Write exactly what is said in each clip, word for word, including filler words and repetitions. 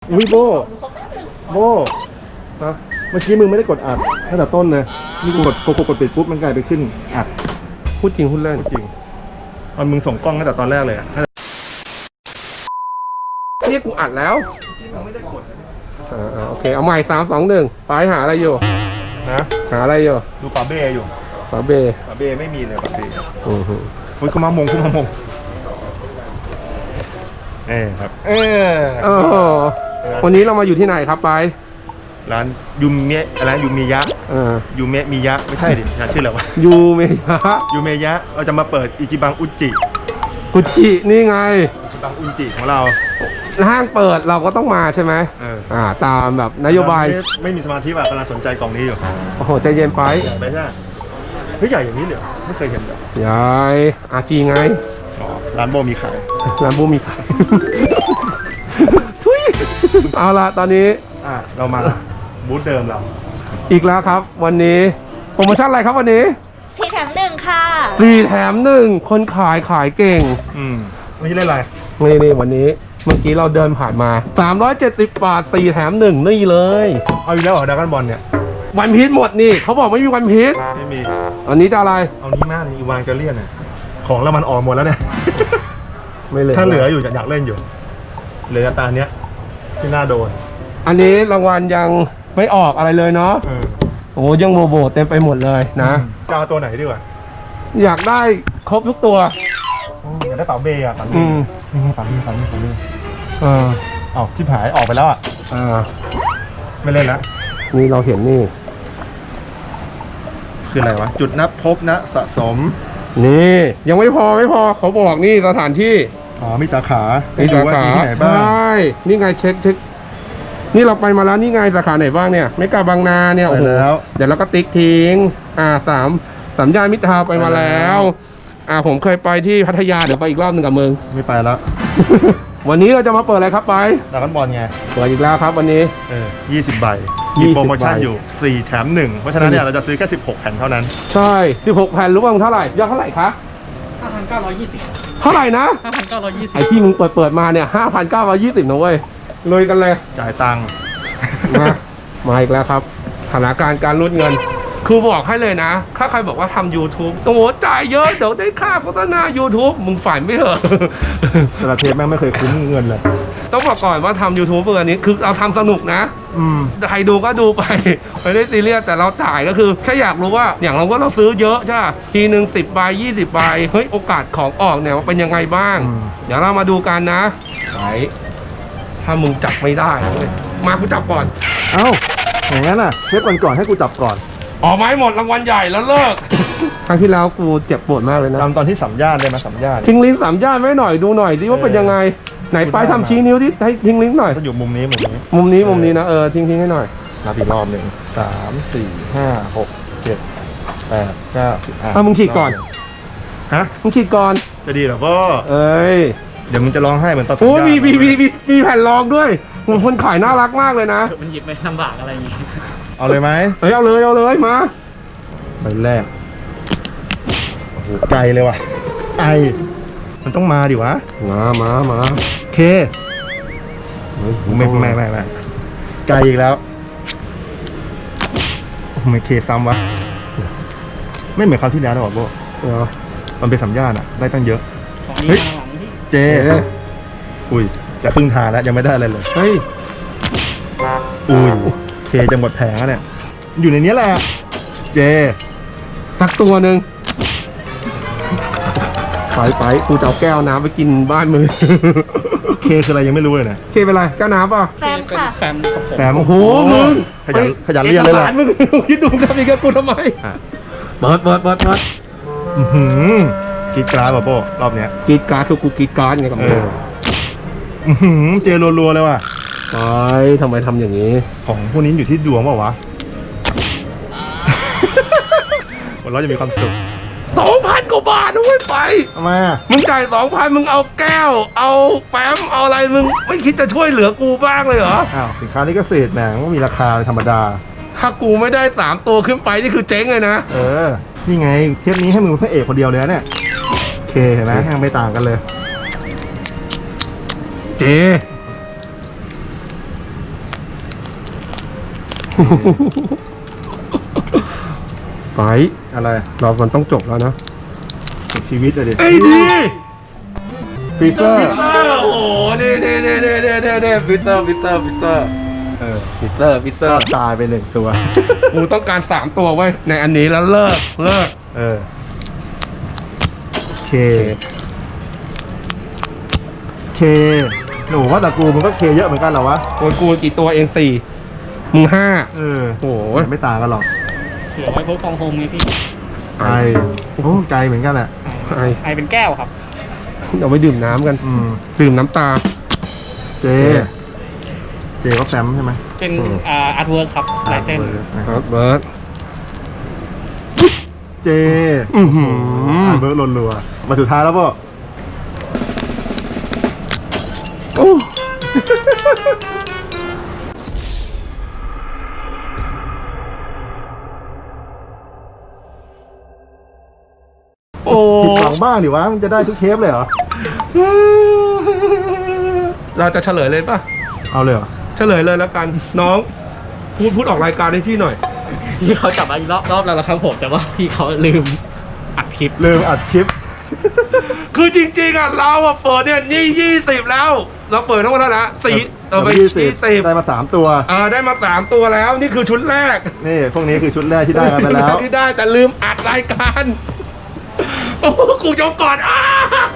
อุ้ยโบโบฮะเมื่อกี้มึงไม่ได้กดอัดตั้งแต่ต้นเลยนี่กูกดกดกดปิดปุ๊บมันกลายไปขึ้นอัดพูดจริงพูดเล่นจริงตอนมึงส่งกล้องตั้งแต่ตอนแรกเลยอะนี่กูอัดแล้วอ่าโอเคเอาใหม่สามสองหนึ่งไปหาอะไรอยู่นะหาอะไรอยู่ดูปลาเบ้อยู่ปลาเบปลาเบ้ไม่มีเลยปลาเบ้อือฮึเฮ้ยเขามามงเขามามงเอ้ครับเออเออวันนี้เรามาอยู่ที่ไหนครับไปร้านยูเมะอะไรยูเมยะอ่ายูเมะมิยะไม่ใช่ดิร้านชื่ออะไรวะยูเมยะยูเมยะเราจะมาเปิดอิจิบังอุจิกุจินี่ไงอิจิบังอุจิของเราห้างเปิดเราก็ต้องมาใช่ไหมเอออ่าตามแบบนโยบายไม่มีสมาธิว่ะกำลังสนใจกล่องนี้อยู่โอ้โหใจเย็นไปใหญ่ไปใช่เฮ้ยใหญ่อย่างนี้เลยไม่เคยเห็นเลยใหญ่อาจีไงร้านโบมีขายร้านโบมีขายทุยเอาละตอนนี้อ่ะเรามาบูธเดิมเราอีกแล้วครับวันนี้โปรโมชั่นอะไรครับวันนี้สี่แถมหนึ่งค่ะสี่แถมหนึ่งคนขายขายเก่งอืมวันนี้เล่นอะไรนี่นี่วันนี้เมื่อกี้เราเดินผ่านมาสามร้อยเจ็ดสิบบาทสี่แถมหนึ่งนี่เลยเอาอีกแล้วเหรอดราก้อนบอลเนี่ยวันพีชหมดนี่เขาบอกไม่มีวันพีชไม่มีอันนี้จะอะไรเอานี้มากอีวานเกเลียนเนี่ยของแล้วมันออกหมดแล้วเนี่ยไม่เลยถ้าเหลืออยู่อยากเล่นอยู่เหลือตาเนี้ยที่น่าโดนอันนี้รางวัลยังไม่ออกอะไรเลยเนาะโอ้ยังโบโบเต็มไปหมดเลยนะจะเอาตัวไหนดีกว่าอยากได้ครบทุกตัวอยากได้เป๋าเบย์อ่ะเป๋าเบย์นี่เป๋าเบย์เป๋าเบย์เป๋าเบย์เออออกที่หายออกไปแล้วอ่ะอ่าไม่เล่นแล้วนี่เราเห็นนี่คืออะไรวะจุดนับพบนะสะสมนี่ยังไม่พอไม่พอเขาบอกนี่สถานที่อ๋อมีสาขามีสาขาใช่นี่ไงเช็คเช็คนี่เราไปมาแล้วนี่ไงสาขาไหนบ้างเนี่ยเมกาบางนาเนี่ยโอ้โหเดี๋ยวเราก็ติ๊กทิ้งอ่าสามสามย่านมิตรทาวน์ไปมาแล้วอ่าผมเคยไปที่พัทยาเดี๋ยวไปอีกรอบหนึ่งกับมึงไม่ไปแล้ววันนี้เราจะมาเปิดอะไรครับไปดราก้อนบอลไงเปิดอีกแล้วครับวันนี้เออยี่สิบใบมีโปรโมชั่นอยู่สี่แถมหนึ่งเพราะฉะนั้นเนี่ยเราจะซื้อแค่สิบหกแผ่นเท่านั้นใช่สิบหกแผ่นรู้ป่ะเท่าไหร่ยอดเท่าไหร่คะห้าพันเก้าร้อยยี่สิบเท่าไหร่นะห้าพันเก้าร้อยยี่สิบไอที่มึงเปิดเปิดมาเนี่ยห้าพันเก้าร้อยยี่สิบนะเว้ยเลยกันเลยจ่ายตังค์มามาอีกแล้วครับสถานการณ์การรูดเงินคือบอกให้เลยนะถ้าใครบอกว่าทำ YouTube โอ้โหจ่ายเยอะเดี๋ยวได้ค่าโฆษณา YouTube มึงฝันไม่เหรอแต่ละเทปแม่งไม่เคยคุ้มเงินเลยต้องบอกก่อนว่าทำ YouTube เพื่ออันนี้คือเราทำสนุกนะอืมใครดูก็ดูไปไม่ได้ซีเรียสแต่เราจ่ายก็คือแค่อยากรู้ว่าอย่างเราก็เราซื้อเยอะใช่ไหมทีหนึ่งสิบใบยี่สิบใบเฮ้ยโอกาสของออกเนี่ยมันเป็นยังไงบ้างเดี๋ยวเรามาดูกันนะไหนถ้ามึงจับไม่ได้มากูจับก่อนเอ้าอย่างนั้นอ่ะเทปก่อนก่อนให้กูจับก่อนออกไม้หมดรางวัลใหญ่แล้วเลิกครั้งที่แล้วกูเจ็บปวดมากเลยนะจำตอนที่สัมญาณได้ไหมสัมญาณทิ้งลิ้นสัมญาณไว้หน่อยดูหน่อยดิว่าเป็นยังไงไหนไปทำชี้นิ้วที่ให้ทิ้งลิ้นหน่อยก็อยู่มุมนี้มุมนี้มุมนี้มุมนี้นะเออทิ้งทิ้งให้หน่อยนับอีกรอบหนึ่งสามสี่ห้าหกเจ็ดแปดเก้าสิบอ่ะมึงฉีดก่อนฮะมึงฉีดก่อนจะดีหรอพ่อเอ้ยเดี๋ยวมึงจะร้องไห้เหมือนตอนโอ้มีมีมีมีมีแผ่นรองด้วยคนขายน่ารักมากเลยนะมันหยิบไม่ลำบากอะไรอย่างงี้เอาเลยไหมเฮ้ยเอาเลยเอาเลยมาใบแรกโอ้โหไกลเลยว่ะไอมันต้องมาดิวะมามามาเคไม่ไม่ไม่ไม่ไกลอีกแล้วไม่เคซ้ำวะไม่เหมือนคราวที่แล้วนะบอกโบมันเป็นสัญญาณอะได้ตั้งเยอะเฮ้ยเจอุ้ยจะครึ่งทางแล้วยังไม่ได้อะไรเลยเฮ้ยอุ้ยเคจะหมดแผงแล้วเนี่ยอยู่ในนี้แหละเจสักตัวหนึ่งไปไปกูจะเอาแก้วน้ำไปกินบ้านมือเคคืออะไรยังไม่รู้เลยนะเคเป็นไรแก้วน้ำป่ะแฟมค่ะแฟมแฟมโอ้โหมึงขยันขยันเรียนเลยล่ะมึงคิดดูทำอีกกูทำไมเปิดเปิดเปิดเปิดกีดการ์ดป่ะโป้รอบเนี้ยกีดการ์ดคือกูกีดการ์ดไงกับมึงเจรัวๆเลยว่ะไปทำไมทำอย่างนี้ของพวกนี้อยู่ที่ดวงเปล่าวะวันเราจะมีความสุขสองพันกว่าบาทด้วยไปทำไมอ่ะมึงจ่ายสองพันมึงเอาแก้วเอาแฟ้มเอาอะไรมึงไม่คิดจะช่วยเหลือกูบ้างเลยเหรออ้าวสินค้านี้ก็เศษแหมก็มีราคาธรรมดาถ้ากูไม่ได้สามตัวขึ้นไปนี่คือเจ๊งเลยนะเออนี่ไงเทปนี้ให้มึงเป็นพระเอกคนเดียวเลยเนี่ยเคเห็นไหมยังไม่ต่างกันเลยเจ๊ไปอะไรเรามันต้องจบแล้วนะสุดชีวิตเลยดิเอ้ยดีฟรีเซอร์ฟิเตอร์โอ้โหเน่เน่เน่เน่เน่เน่เน่ฟิเตอร์ฟิเตอร์ฟิเตอร์เออฟิเตอร์ฟิเตอร์ตายไปหนึ่งตัวกูต้องการสามตัวไว้ยในอันนี้แล้วเลิกเลิกเออเคเคหนูว่าแต่กูมันก็เคเยอะเหมือนกันเหรอวะโอ้ยกูกี่ตัวเองสี่มึงห้าเออโอ้โหไม่ต่างกันหรอกเผื่อไว้พกฟองโฮมไงพี่ไอโอ้ไกลเหมือนกันแหละไอไอเป็นแก้วครับเดี๋ยวไปดื่มน้ำกันอืมดื่มน้ำตาเจ เจก็แฟมใช่ไหมเป็นอ่าอาร์ตเวิร์กครับลายเส้นครับเบิร์ดเจอื้อหืออ่านเบิร์ดรัวๆมาสุดท้ายแล้วป่ะโอ้โอ้ผิดหวังบ้างดิวะมันจะได้ทุกเทปเลยเหรอเราจะเฉลยเลยป่ะเอาเลยเหรอเฉลยเลยแล้วกัน น้อง พูดพูดออกรายการให้พี่หน่อยพี่เขาจับมาอีกรอบรอบแล้วนะครับผม แต่ว่าพี่เขาลืมอัดคลิปลืมอัดคลิปคือจริงๆอ่ะเราอ่ะเปิดเนี่ยนี่ยี่สิบแล้ว เราเปิดทั้งหมดแล้วนะสี่เออไปยี่ยี่สิบสิบได้มาสามตัวเออได้มาสามตัวแล้ว นี่คือชุดแรกนี่พวกนี้คือชุดแรกที่ได้กันไปแล้วที่ได้แต่ลืมอัดรายการโอ้โหกูจบก่อนอ้า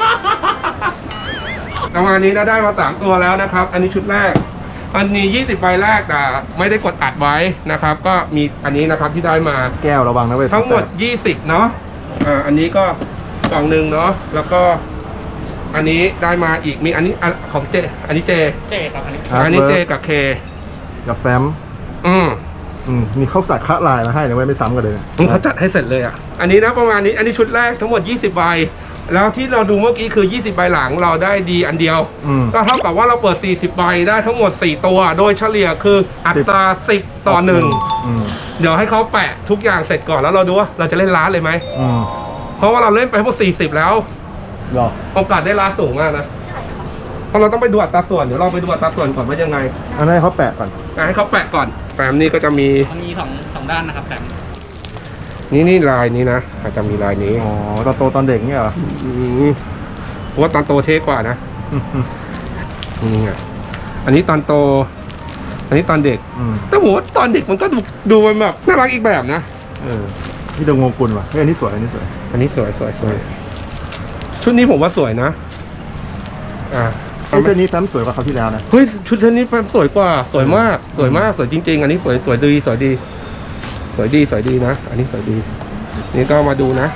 ประมาณนี้นะได้มาสามตัวแล้วนะครับ อันนี้ชุดแรก อันนี้ยี่สิบใบแรกแต่ไม่ได้กดอัดไว้นะครับ ก็มีอันนี้นะครับที่ได้มาแก้วระวังนะเว้ยทั้งหมดยี่สิบเนาะอ่าอันนี้ก็กล่องหนึ่งเนาะแล้วก็ อันนี้ได้มาอีกมีอันนี้อันของเจ อันนี้เจเจครับอันนี้อันนี้เจกับเคกับแฟมอืมอืมมีเขาจัดคะลายมาให้นะเว้ยไม่ซ้ำกันเลยนะมึงเขาจัดให้เสร็จเลยอ่ะ อันนี้นะประมาณนี้ อันนี้ชุดแรกทั้งหมดยี่สิบใบ แล้วที่เราดูเมื่อกี้คือยี่สิบใบหลังเราได้ดีอันเดียวอืมก็เท่ากับว่าเราเปิดสี่สิบใบได้ทั้งหมดสี่ตัว โดยเฉลี่ยคืออัตราสิบต่อหนึ่งอืมเดี๋ยวให้เขาแปะทุกอย่างเสร็จก่อนแล้วเราดูว่าเราจะเล่นล้านเลยไหมอืมเพราะว่าเราเล่นไปทั้งหมดสี่สิบแล้วหรอโอกาสได้ล้านสูงมากนะ เพราะเราต้องไปดูอัตราส่วน เดี๋ยวเราไปดูอัตราส่วนก่อนว่ายังไงอันนั้นให้เขาแปะก่อนอ่ะให้เขาแปะก่อนแปมนี่ก็จะมีมันมีสองสองด้านนะครับแต่นี่นี่ลายนี้นะอาจจะมีลายนี้อ๋อตอนโตตอนเด็กเนี่ยเหรออืมเพราะว่าตอนโตเท่กว่านะอืมอืมนี่ไงอันนี้ตอนโต อันนี้ตอนเด็กอืมแต่ผมว่าตอนเด็กมันก็ดูดูมันแบบน่ารักอีกแบบนะเออนี่ดงงกุลว่ะเฮ้ยอันนี้สวยอันนี้สวยอันนี้สวยสวยสวยชุดนี้ผมว่าสวยนะ อ่าไอ้เจ้านี้แฟมสวยกว่าเขาวที่แล้วนะเฮ้ยชุดเทนนี้แฟนสวยกว่า สวยมาก สวยมาก สวยจริง ๆ อันนี้สวยสวยดีสวยดี สวยดีสวยดีนะ อันนี้สวยดี นี่ก็มาดูนะ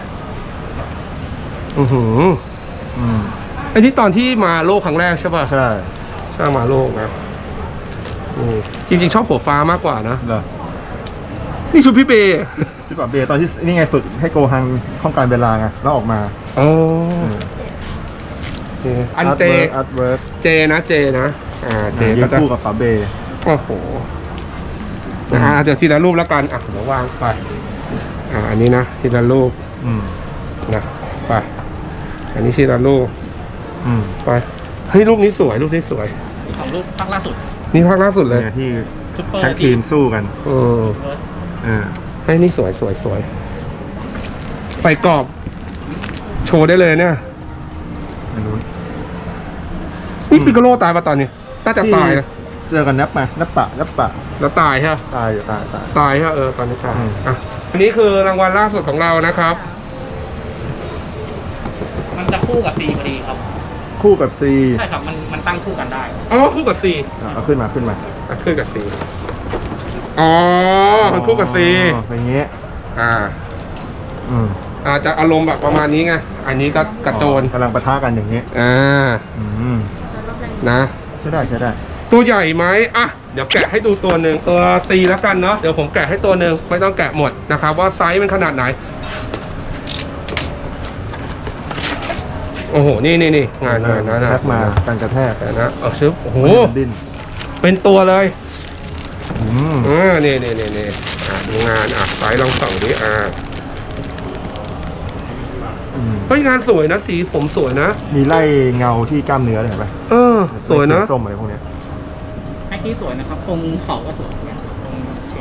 อือหืออืมไอ้ที่ตอนที่มาโลกครั้งแรกใช่ป่ะใช่ใช่มาโลกนะนี่จริงๆชอบหัวฟ้ามากกว่านะเหรอนี่ชุดพี่เบย์ที่ก่อนเบย์ตอนที่นี่ไงฝึกให้โกฮังข้องการเวลาไงแล้วออกมาอ๋ออันเจอาร์ตเวิร์กเจนะเจนะอ่าเจยืก็นจะคู่กับฝาเบย์โอ้โหนะฮะเดี๋ยวทีละรูปแล้วกันอ่ะเดี๋ยววางไปอ่าอันนี้นะทีละรูปอืมนะไปอันนี้ทีละรูปอืมไปเฮ้ยรูปนี้สวยรูปนี้สวยมีของรูปภาคล่าสุดนี่ภาคล่าสุดเลยเนี่ยที่ซุปเปอร์แท็กทีมสู้กันเออเวิร์สเออเฮ้ยนี่สวยสวยสวยใส่กรอบ โชว์ได้เลยเนี่ยไม่รู้นี่ปิกาโลตายปะตอนนี้น่าจะตายนะเจอกันนับมานับปะนับปะแล้วตายใช่ปะตายอยู่ตายตายตายใช่ปะเออตอนนี้ตายอืมอ่ะอันนี้คือรางวัลล่าสุดของเรานะครับมันจะคู่กับซีพอดีครับคู่กับซีใช่ครับ มันมันตั้งคู่กันได้อ๋อคู่กับซีเอาขึ้นมาขึ้นมาอ่ะคู่กับซีอ๋อมันคู่กับซีอ๋ออย่างเงี้ยอ่าอืมอาจจะอารมณ์แบบประมาณนี้ไงอันนี้ก็กระโจนกำลังปะทะกันอย่างเงี้ยอ่าอืมนะใช่ได้ใช่ได้ตัวใหญ่ไหมอ่ะ เดี๋ยวแกะให้ดูตัวหนึ่งตัว C แล้วกันเนาะ เดี๋ยวผมแกะให้ตัวหนึ่งไม่ต้องแกะหมดนะครับว่าไซส์มันขนาดไหน โอ้โห นี่นี่นี่งานงานนะนะแท็กมาการกระแทกแต่นะเอาชึบโอ้โหมันดิ้นเป็นตัวเลยอืมเออนี่นี่นี่นี่อ่ะดูงานอ่ะไซส์ลองส่องดิอ่ะอืมเฮ้ยงานสวยนะสีผมสวยนะมีไล่เงาที่กล้ามเนื้อเลยเห็นปะเออ สวยนะส้มอะไรพวกเนี้ยให้ที่สวยนะครับ ตรงเขาก็สวยเนี่ยตรง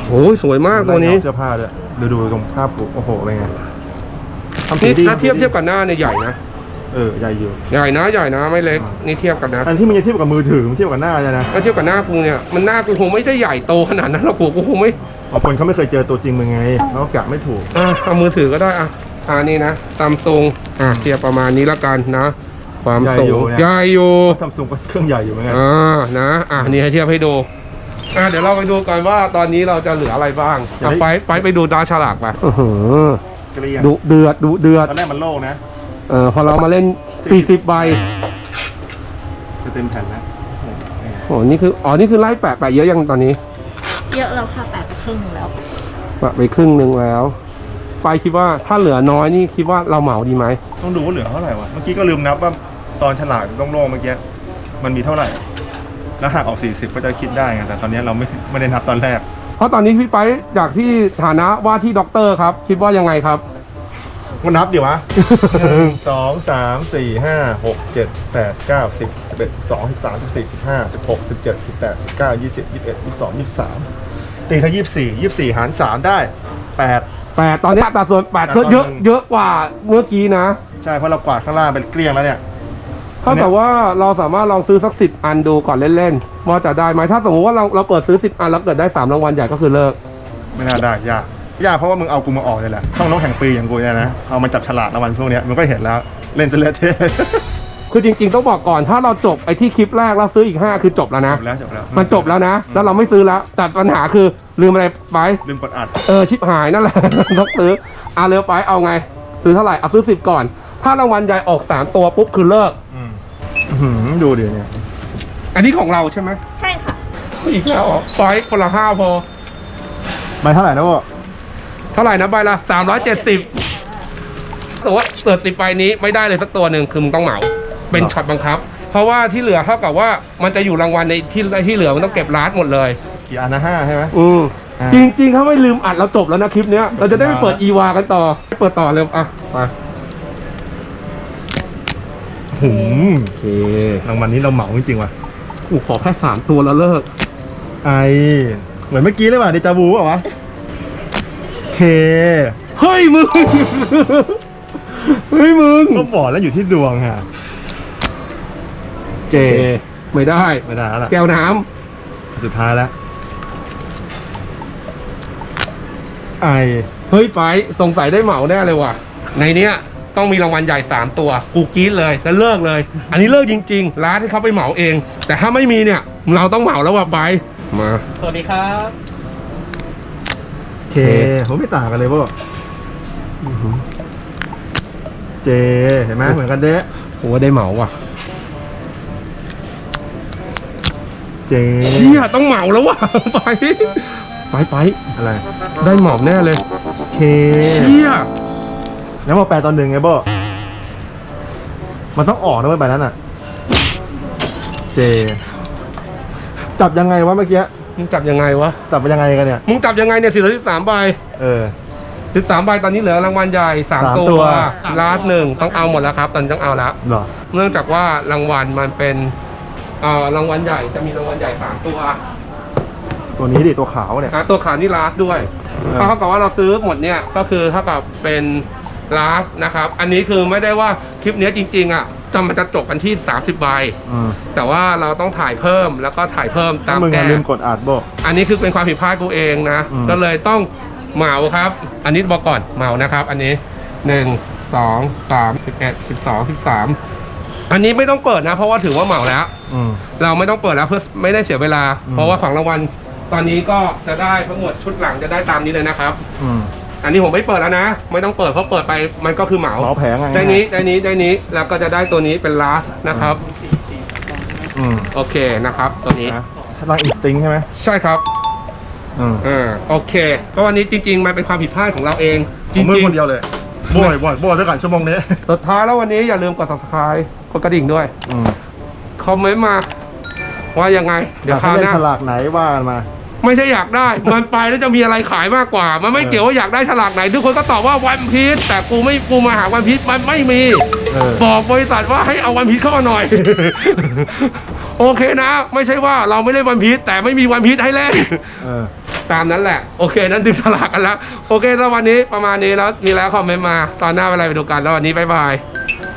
โอ้ยสวยมากตัวนี้เสื้อผ้าด้วยดูดูตรงภาพโอ้โหอะไรเงี้ยทำสีนี่ดีถ้าเทียบเทียบกับหน้าเนี่ยใหญ่นะเออใหญ่อยู่ใหญ่นะใหญ่นะไม่เล็กนี่เทียบกันนะอันที่มันจะเทียบกับมือถือมันเทียบกับหน้าใช่นะถ้าเทียบกับหน้ากูเนี่ยมันหน้ากูคงไม่ได้ใหญ่โตขนาดนั้นหรอกกูกูคงไม่บางคนเขาไม่เคยเจอตัวจริงมึงไงเขาก็กะไม่ถูกอ่ะเอามือถือก็ได้อ่ะอ่านี่นะซัมซุงอ่ะเทียบประมาณนี้ละกันนะ ความสูงใหญ่อยู่ซัมซุงก็เครื่องใหญ่อยู่เหมือนกันอ่านะอ่ะนี่ให้เทียบให้ดูอ่ะเดี๋ยวเราไปดูกันว่าตอนนี้เราจะเหลืออะไรบ้างอ่ะไปไปไปดูดาวฉลากไปเกลียงดุเดือดดุเดือดตอนแรกมันโล่งนะเออพอเรามาเล่นสี่สิบใบจะเต็มแผ่นแล้วโอ้นี่คืออ๋อนี่คือไล่แปะแปะเยอะยังตอนนี้เยอะแล้วค่ะแปดไปครึ่งหนึ่งแล้วแปะไปครึ่งหนึ่งแล้วไฟคิดว่าถ้าเหลือน้อยนี่คิดว่าเราเหมาดีไหมต้องดูว่าเหลือเท่าไหร่วะเมื่อกี้ก็ลืมนับว่าตอนฉลากต้องโล่งเมื่อกี้มันมีเท่าไหร่ แล้วหักออกสี่สิบก็จะคิดได้ไงแต่ตอนนี้เราไม่ไม่ได้นับตอนแรกเพราะตอนนี้พี่ไปจากที่ฐานะว่าที่ด็อกเตอร์ครับ คิดว่ายังไงครับมันนับดิวะ หนึ่งสองสามสี่ห้าหกเจ็ดแปดเก้าสิบสิบเอ็ดสิบสองสิบสามสิบสี่สิบห้าสิบหกสิบเจ็ดสิบแปดสิบเก้ายี่สิบยี่สิบเอ็ดยี่สิบสองยี่สิบสามตีถ้ายี่สิบสี่ยี่สิบสี่หารสามได้แปดแปดตอนนี้อัตราส่วนแปดก็เยอะเยอะกว่าเมื่อกี้นะใช่เพราะเรากวาดข้างล่างเป็นเกลี้ยงแล้วเนี่ยเท่ากับว่าเราสามารถลองซื้อสักสิบอันดูก่อนเล่นๆว่าจะได้ไหมถ้าสมมติว่าเราเราเปิดซื้อสิบอันแล้วเกิดได้สามรางวัลใหญ่ก็คือเลิกไม่น่าได้ยากยากเพราะว่ามึงเอากูมาออกเลยแหละช่องน้องแห่งปีอย่างกูเนี่ยนะเอามาจับฉลากรางวัลพวกเนี้ยมึงก็เห็นแล้วเล่นจะเละเทะคือจริงๆต้องบอกก่อนถ้าเราจบไอ้ที่คลิปแรกแล้วซื้ออีกห้าคือจบแล้วนะจบแล้วจบแล้วมันจบแล้วนะ แล้วเราไม่ซื้อแล้วแต่ปัญหาคือลืมอะไรไปลืมกดอัดเออชิปหายนั่นแหละ ต้องซื้ออ่ะเร็วไปเอาไง ซื้อเท่าไหร่เอาซื้อสิบก่อน ถ้ารางวัลใหญ่ออกสามตัวปุ๊บคือเลิกอืมอื้อหือดูดิเนี่ยอันนี้ของเราใช่ไหมใช่ค่ะอีกแล้วเหรอไปคนละห้าพอใบเท่าไหร่นะวะเท่าไหร่นะใบละสามร้อยเจ็ดสิบแต่ว่าเปิดสิบใบนี้ไม่ได้เลยสักตัวหนึ่งคือมึงต้องเหมาเป็นช็อตบังคับ เพราะว่าที่เหลือเท่ากับว่ามันจะอยู่รางวัลในที่ที่เหลือมันต้องเก็บร้านหมดเลยกี่อันนะห้าใช่ไหมอืมอ่าจริงๆเขาไม่ลืมอัดเราจบแล้วนะคลิปเนี้ยเราจะได้ไปเปิดอีวากันต่อเปิดต่อเร็วอ่ะไปหืมโอเครางวัลนี้เราเหมาจริงๆว่ะกูขอแค่สามตัวแล้วเลิกไอเหมือนเมื่อกี้เลยว่ะเดจาวูเปล่าวะเคเฮ้ยมึง เฮ้ยมึงก็บอกแล้วอยู่ที่ดวงฮะเจไม่ได้ไม่ได้แล้วล่ะแก้วน้สุดท้ายแล้วไอำเฮ้ยไปสงสัยได้เหมาแน่เลยว่ะในเนี้ยต้องมีรางวัลใหญ่สามตัวกูกรี๊ดเลยแล้วเลิกเลย อันนี้เลิกจริงๆร้านที่เขาไปเหมาเอง แต่ถ้าไม่มีเนี่ยเราต้องเหมาแล้วว่ะไปมาสวัสดีครับเคผมไม่ต่างกันเลยพวกเจเห็นไหมเหมือนกันเด้โอ้ได้เหมาว่ะเจเชี่ยต้องเหมาแล้วว่ะ ไปไปไปอะไรได้เหมาแน่เลยเคเชี่ยแล้วมาแปลตอนหนึ่งไงโบมันต้องออกนะเว้ยใบนั้นอ่ะ เจ จับยังไงวะเมื่อกี้มึงจับยังไงวะจับไปยังไงกันเนี่ยมึงจับยังไงเนี่ยสี่ร้อยสิบสามใบเออสิบสามใบตอนนี้เหลือรางวัลใหญ่สามสามตัตัว วลาสหนึ่งต้องเอาหมดแล้วครับ ตอนนี้ต้องเอาแล้วเหรอเนื่องจากว่ารางวัลมันเป็นเอ่อรางวัลใหญ่จะมีรางวัลใหญ่สามตัวตัวนี้ดิตัวขาวเนี่ยอ่ะตัวขาวนี่ลาสด้วยเออเท่ากับว่าเราซื้อหมดเนี่ยก็คือเท่ากับเป็นลาสนะครับ อันนี้คือไม่ได้ว่าคลิปเนี้ยจริงๆอ่ะจะมันจะจบกันที่สามสิบใบอืมแต่ว่าเราต้องถ่ายเพิ่มแล้วก็ถ่ายเพิ่มตาถ้าม มึงแก้อะลืมกดอัดโบอันนี้คือเป็นความผิดพลาดกูเองนะอืมก็เลยต้องเหมาครับ อันนี้บอกก่อนเหมานะครับ อันนี้หนึ่งสองสามสิบเอ็ดสิบสองสิบสามอันนี้ไม่ต้องเปิดนะ เพราะว่าถือว่าเหมาแล้วอืมเราไม่ต้องเปิดแล้วเพื่อไม่ได้เสียเวลาอืมเพราะว่าของรางวัลตอนนี้ก็จะได้ทั้งหมดชุดหลังจะได้ตามนี้เลยนะครับอืมอันนี้ผมไม่เปิดแล้วนะ ไม่ต้องเปิดเพราะเปิดไปมันก็คือเหมาเหมาแผงไงได้นี้ได้นี้ได้นี้แล้วก็จะได้ตัวนี้เป็นลาสนะครับอืมโอเคนะครับตัวนี้นะถ้าตั้งอินสติ้งใช่ไหมใช่ครับอืมอ่าโอเคก็วันนี้จริง ๆ มันเป็นความผิดพลาดของเราเองผจริมงมือๆคนเดียวเลยโบยโบยโบยด้วยกันชั่วโมงนี้สุดท้ายแล้ววันนี้อย่าลืมกด subscribe กดกระดิ่งด้วยอืมคอมเมนต์มา ว่ายังไง เดี๋ยวคราวหเล่น้านฉลากไหนว่ากันมาไม่ใช่อยากได้ มันไปแล้วจะมีอะไรขายมากกว่า มันไม่เออเกี่ยวว่าอยากได้ฉลากไหน ทุกคนก็ตอบว่าวันพีชแต่กูไม่กูมาหาวันพีชมันไม่มีเออบอกบริษัทว่าให้เอาวันพีชเข้ามาหน่อย โอเคนะ ไม่ใช่ว่าเราไม่เล่นวันพีชแต่ไม่มีวันพีชให้เล่นเออตามนั้นแหละ โอเค นั้นดึงฉลากกันแล้ว โอเค แล้ววันนี้ประมาณนี้แล้ว มีแล้วคอมเมนต์มา ตอนหน้าเวลาไปดูกัน แล้ววันนี้บ๊ายบาย